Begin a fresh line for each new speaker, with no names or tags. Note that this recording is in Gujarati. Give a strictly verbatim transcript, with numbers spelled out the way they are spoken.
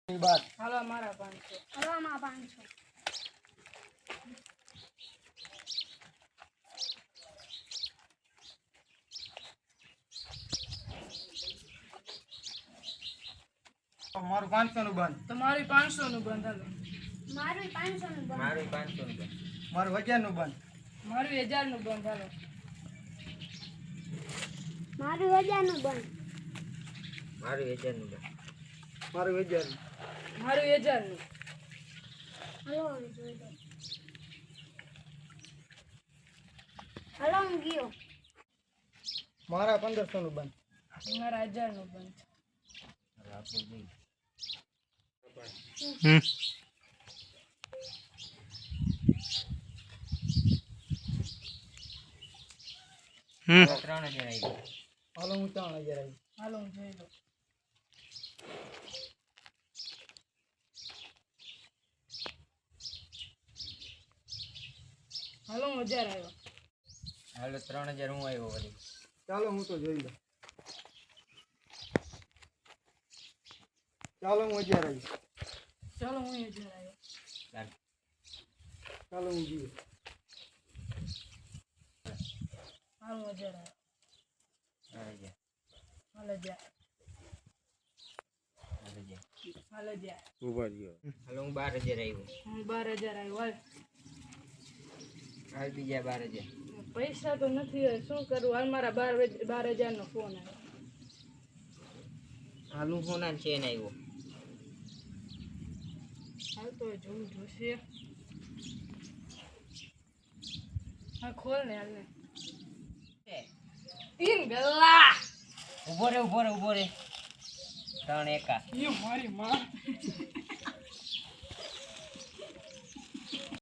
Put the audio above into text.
બાર
હાલો મારા પાંચસો.
હાલો આમાં પાંચસો.
મારું પાંચસો નું બંધ.
તમારી પાંચસો નું બંધ. હાલો
મારું પાંચસો નું બંધ.
મારું પાંચસો નું બંધ.
મારું હજાર નું બંધ.
મારું હજાર નું બંધ. હાલો
મારું હજાર નું બંધ.
મારું હજાર નું બંધ.
મારું હજાર નું.
મારું હજાર નું.
હાલો હવે જોઈ લો. હાલો હું ગયો.
મારા પંદરસો નું બંધ.
મારા હજાર નું બંધ.
હવે આપણે જોઈએ.
હમ હમ
ત્રણ હજાર આવી ગયા.
હાલો હું ત્રણ હજાર આવી.
હાલો હું જોઈ લઉં. હાલો હું હજાર આવ્યો.
હાલો ત્રણ હજાર હું આવ્યો વળી.
ચાલો હું તો જોઈ લઉં. ચાલો હું હજાર આવી.
ચાલો હું હજાર આવ્યો.
ચાલ.
ચાલો હું જીવ.
હાલો હું હજાર આવ્યો.
ત્રણ હજાર.
હાલ હજાર.
હાલ હજાર.
હાલ હજાર.
હાલો હું બાર હજાર આવ્યો.
હું બાર હજાર આવ્યો. હાલ
હાલ બીજા બાર હજાર.
પૈસા તો નથી હવે શું કરું. હાલ મારા બાર બાર હજાર નો ફોન આવ્યો.
હાલ હું સોના ને ચેન આવ્યો.
હાલ તો જોવું જોશે. હા ખોલ ને હાલ ને. તીન ગલ્લા.
ઉભો રે ઉભો રે ઉભો રે. ત્રણ એકા.
ઈ મારી માં.